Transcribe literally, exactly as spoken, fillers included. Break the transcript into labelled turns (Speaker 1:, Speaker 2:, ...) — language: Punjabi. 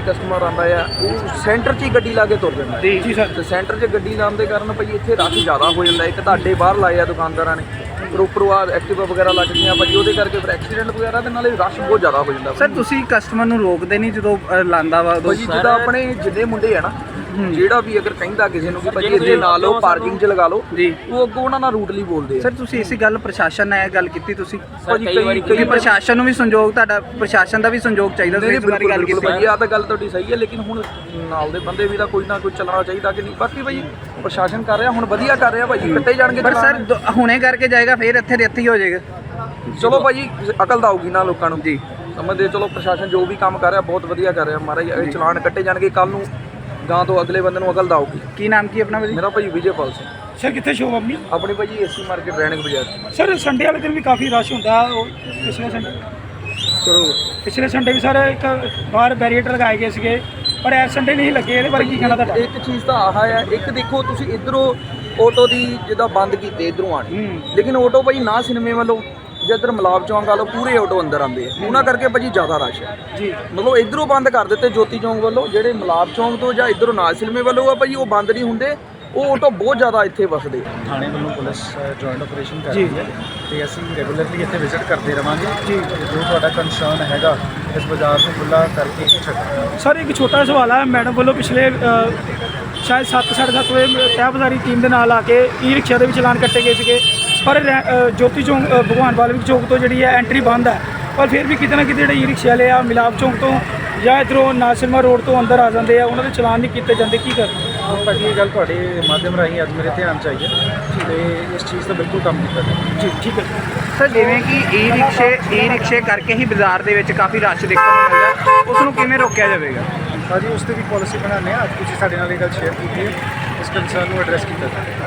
Speaker 1: ਕਸਟਮਰ ਆਉਂਦਾ ਆ ਉਹ ਸੈਂਟਰ 'ਚ ਹੀ ਗੱਡੀ ਲਾ ਕੇ ਤੁਰ ਜਾਂਦਾ
Speaker 2: ਜੀ ਜੀ ਸਰ।
Speaker 1: ਤੇ ਸੈਂਟਰ 'ਚ ਗੱਡੀ ਲਾਉਣ ਦੇ ਕਾਰਨ ਭਾਈ ਇੱਥੇ ਰਸ਼ ਜ਼ਿਆਦਾ ਹੋ ਜਾਂਦਾ। ਇੱਕ ਤੁਹਾਡੇ ਬਾਹਰ ਲਾਏ ਆ ਦੁਕਾਨਦਾਰਾਂ ਨੇ ਪਰ ਉੱਪਰੋਂ ਆ ਐਕਟਿਵਾ ਵਗੈਰਾ ਲੱਗਦੀਆਂ ਭਾਜੀ, ਉਹਦੇ ਕਰਕੇ ਫਿਰ ਐਕਸੀਡੈਂਟ ਵਗੈਰਾ ਦੇ ਨਾਲੇ ਰਸ਼ ਬਹੁਤ ਜ਼ਿਆਦਾ ਹੋ ਜਾਂਦਾ।
Speaker 2: ਸਰ ਤੁਸੀਂ ਕਸਟਮਰ ਨੂੰ ਰੋਕਦੇ ਨਹੀਂ ਜਦੋਂ ਅ, ਲਾਂਦਾ ਵਾ ਉਦੋਂ?
Speaker 1: ਭਾਜੀ ਜਿੱਦਾਂ ਆਪਣੇ ਜਿੰਨੇ ਮੁੰਡੇ ਆ ਨਾ, ਜਿਹੜਾ ਵੀ ਅਗਰ ਕਹਿੰਦਾ ਕਿਸੇ ਨੂੰ ਕਿ ਭਾਜੀ ਇੱਥੇ ਲਾ ਲਓ, ਪਾਰਕਿੰਗ 'ਚ ਲਗਾ ਲਓ,
Speaker 2: ਜੀ
Speaker 1: ਉਹ ਅੱਗੋਂ ਉਹਨਾਂ ਨਾਲ ਰੂਟਲੀ ਬੋਲਦੇ ਆ।
Speaker 2: ਸਰ ਤੁਸੀਂ ਇਸੇ ਗੱਲ ਪ੍ਰਸ਼ਾਸਨ ਨਾਲ ਇਹ ਗੱਲ ਕੀਤੀ ਤੁਸੀਂ?
Speaker 1: ਭਾਜੀ ਕਈ ਵਾਰੀ
Speaker 2: ਕਿਉਂਕਿ ਪ੍ਰਸ਼ਾਸਨ ਨੂੰ ਵੀ ਸੰਯੋਗ, ਤੁਹਾਡਾ ਪ੍ਰਸ਼ਾਸਨ ਦਾ ਵੀ ਸੰਯੋਗ ਚਾਹੀਦਾ, ਤੁਸੀਂ ਇਸ ਬਾਰੇ ਗੱਲ ਕੀਤੀ?
Speaker 1: ਭਾਜੀ ਆ ਤਾਂ ਗੱਲ ਤੁਹਾਡੀ ਸਹੀ ਹੈ, ਲੇਕਿਨ ਹੁਣ ਨਾਲ ਦੇ ਬੰਦੇ ਵੀ ਤਾਂ ਕੋਈ ਨਾ ਕੋਈ ਚੱਲਣਾ ਚਾਹੀਦਾ ਕਿ ਨਹੀਂ। ਬਾਕੀ ਭਾਜੀ ਪ੍ਰਸ਼ਾਸਨ ਕਰ ਰਿਹਾ, ਹੁਣ ਵਧੀਆ ਕਰ ਰਿਹਾ ਭਾਜੀ, ਕੱਟੇ ਜਾਣਗੇ।
Speaker 2: ਪਰ ਸਰ ਦ- ਹੁਣੇ ਕਰਕੇ ਜਾਏਗਾ ਫਿਰ ਇੱਥੇ ਦੇ ਇੱਥੇ ਹੀ ਹੋ ਜਾਏਗਾ।
Speaker 1: ਚਲੋ ਭਾਜੀ ਅਕਲ ਤਾਂ ਆਊਗੀ ਨਾ ਲੋਕਾਂ ਨੂੰ
Speaker 2: ਜੀ
Speaker 1: ਸਮਝਦੇ। ਚਲੋ ਪ੍ਰਸ਼ਾਸਨ ਜੋ ਵੀ ਕੰਮ ਕਰ ਰਿਹਾ ਬਹੁਤ ਵਧੀਆ ਕਰ ਰਿਹਾ ਮਹਾਰਾਜ। ਇਹ ਚਲਾਨ ਕੱਟੇ ਜਾਣਗੇ, ਕੱਲ ਨੂੰ ਗਾਂ ਤੋਂ ਅਗਲੇ ਬੰਦੇ ਨੂੰ ਅਕਲ ਤਾਂ ਆਊਗੀ।
Speaker 2: ਕੀ ਨਾਮ ਕੀ ਆਪਣਾ ਭਾਜੀ?
Speaker 1: ਮੇਰਾ ਭਾਜੀ ਵਿਜੇਪਾਲ ਸਿੰਘ।
Speaker 3: ਸਰ ਕਿੱਥੇ ਸ਼ੋਪ ਆਪਣੀ?
Speaker 1: ਆਪਣੀ ਭਾਜੀ ਏਸੀ ਮਾਰਕੀਟ ਰੈਣਕ ਬਾਜ਼ਾਰ।
Speaker 3: ਸਰ ਸੰਡੇ ਵਾਲੇ ਦਿਨ ਵੀ ਕਾਫੀ ਰਸ਼ ਹੁੰਦਾ, ਉਹ ਪਿਛਲੇ ਸੰਡੇ
Speaker 1: ਚਲੋ
Speaker 3: ਪਿਛਲੇ ਸੰਡੇ ਵੀ ਸਰ ਇੱਕ ਬਾਹਰ ਬੈਰੀਏਟਰ ਲਗਾਏ ਗਏ ਸੀਗੇ, ਪਰ ਇਸ ਸੰਡੇ ਨਹੀਂ ਲੱਗੇ। ਇਹਦੇ ਬਾਰੇ ਕੀ ਕਹਿਣਾ ਤੁਹਾਡਾ?
Speaker 1: ਇੱਕ ਚੀਜ਼ ਤਾਂ ਆਹ ਹੈ, ਇੱਕ ਦੇਖੋ ਤੁਸੀਂ ਇਧਰੋਂ ਆਟੋ ਦੀ ਜਿੱਦਾਂ ਬੰਦ ਕੀਤੇ ਇਧਰੋਂ ਆਣੀ, ਲੇਕਿਨ ਆਟੋ ਭਾਜੀ ਨਾ ਸਿਨੇਮੇ ਵੱਲੋਂ ਜੇ ਇੱਧਰ ਮਲਾਬ ਚੌਂਕ ਆ ਲਓ ਪੂਰੇ ਆਟੋ ਅੰਦਰ ਆਉਂਦੇ ਆ, ਉਹਨਾਂ ਕਰਕੇ ਭਾਜੀ ਜ਼ਿਆਦਾ ਰਸ਼ ਹੈ
Speaker 3: ਜੀ।
Speaker 1: ਮਤਲਬ ਇਧਰੋਂ ਬੰਦ ਕਰ ਦਿੱਤੇ ਜੋਤੀ ਚੌਂਕ ਵੱਲੋਂ, ਜਿਹੜੇ ਮਲਾਬ ਚੌਂਕ ਤੋਂ ਜਾਂ ਇਧਰੋਂ ਨਾਲ ਸਿਨੇਮੇ ਵੱਲੋਂ ਆ ਭਾਜੀ ਉਹ ਬੰਦ ਨਹੀਂ ਹੁੰਦੇ, ਉਹ ਆਟੋ ਬਹੁਤ ਜ਼ਿਆਦਾ ਇੱਥੇ ਵਸਦੇ।
Speaker 4: ਥਾਣੇ ਵੱਲੋਂ ਪੁਲਿਸ ਜੁਆਇੰਟ ਆਪਰੇਸ਼ਨ ਕਰ ਰਹੀ ਹੈ ਤੇ ਅਸੀਂ ਰੈਗੂਲਰਲੀ ਇੱਥੇ ਵਿਜ਼ਿਟ ਕਰਦੇ ਰਵਾਂਗੇ ਜੀ। ਜੋ ਤੁਹਾਡਾ ਕੰਸਰਨ ਹੈਗਾ ਇਸ ਬਾਜ਼ਾਰ ਨੂੰ ਖੁੱਲ੍ਹਾ ਕਰਕੇ ਹੀ ਛੱਡਾਂਗੇ।
Speaker 3: ਸਰ ਇੱਕ ਛੋਟਾ ਸਵਾਲ ਹੈ, ਮੈਡਮ ਵੱਲੋਂ ਪਿਛਲੇ ਅ, ਸ਼ਾਇਦ ਸੱਤ ਸਾਢੇ ਸੱਤ ਵਜੇ ਤਹਿਬਜ਼ਾਰੀ ਟੀਮ ਦੇ ਨਾਲ ਆ ਕੇ ਈ ਰਿਕਸ਼ਾ ਦੇ ਵੀ ਚਲਾਨ ਕੱਟੇ ਗਏ ਸੀਗੇ, ਪਰ ਰੈ- ਅ, ਜੋਤੀ ਚੌਂਕ ਅ, ਭਗਵਾਨ ਵਾਲਮੀਕ ਚੌਂਕ ਤੋਂ ਜਿਹੜੀ ਹੈ ਐਂਟਰੀ ਬੰਦ ਹੈ, ਪਰ ਫਿਰ ਵੀ ਕਿਤੇ ਨਾ ਕਿਤੇ ਜਿਹੜੇ ਈ ਰਿਕਸ਼ਾ ਵਾਲੇ ਆ ਮਿਲਾਪ ਚੌਂਕ ਤੋਂ ਜਾਂ ਇੱਧਰੋਂ ਨਾਸਿਰਮਾ ਰੋਡ ਤੋਂ ਅੰਦਰ ਆ ਜਾਂਦੇ ਆ, ਉਹਨਾਂ ਦੇ ਚਲਾਨ ਨਹੀਂ ਕੀਤੇ ਜਾਂਦੇ। ਕੀ ਕਰਦੇ?
Speaker 4: ਭਾਜੀ ਇਹ ਗੱਲ ਤੁਹਾਡੇ ਮਾਧਿਅਮ ਰਾਹੀਂ ਅੱਜ ਮੇਰੇ ਧਿਆਨ 'ਚ ਆਈ ਹੈ ਤੇ ਇਸ ਚੀਜ਼ ਦਾ ਬਿਲਕੁਲ ਕੰਮ ਕੀਤਾ ਜਾਵੇ।
Speaker 3: ਜੀ ਠੀਕ ਹੈ।
Speaker 2: ਸਰ ਜਿਵੇਂ ਕਿ ਈ ਰਿਕਸ਼ੇ ਈ ਰਿਕਸ਼ੇ ਕਰਕੇ ਹੀ ਬਾਜ਼ਾਰ ਦੇ ਵਿੱਚ ਕਾਫੀ ਰਸ਼ ਦੇਖਣ ਨੂੰ ਮਿਲਦਾ, ਉਸ ਨੂੰ ਕਿਵੇਂ ਰੋਕਿਆ ਜਾਵੇਗਾ?
Speaker 4: ਭਾਜੀ ਉਸ ਤੇ ਵੀ ਪਾਲਿਸੀ ਬਣਾਉਂਦੇ ਹਾਂ। ਅੱਜ ਤੁਸੀਂ ਸਾਡੇ ਨਾਲ ਇਹ ਗੱਲ ਸ਼ੇਅਰ ਕੀਤੀ ਹੈ, ਇਸ ਕੰਸਰਨ ਨੂੰ ਐਡਰੈਸ ਕੀਤਾ ਜਾਵੇ।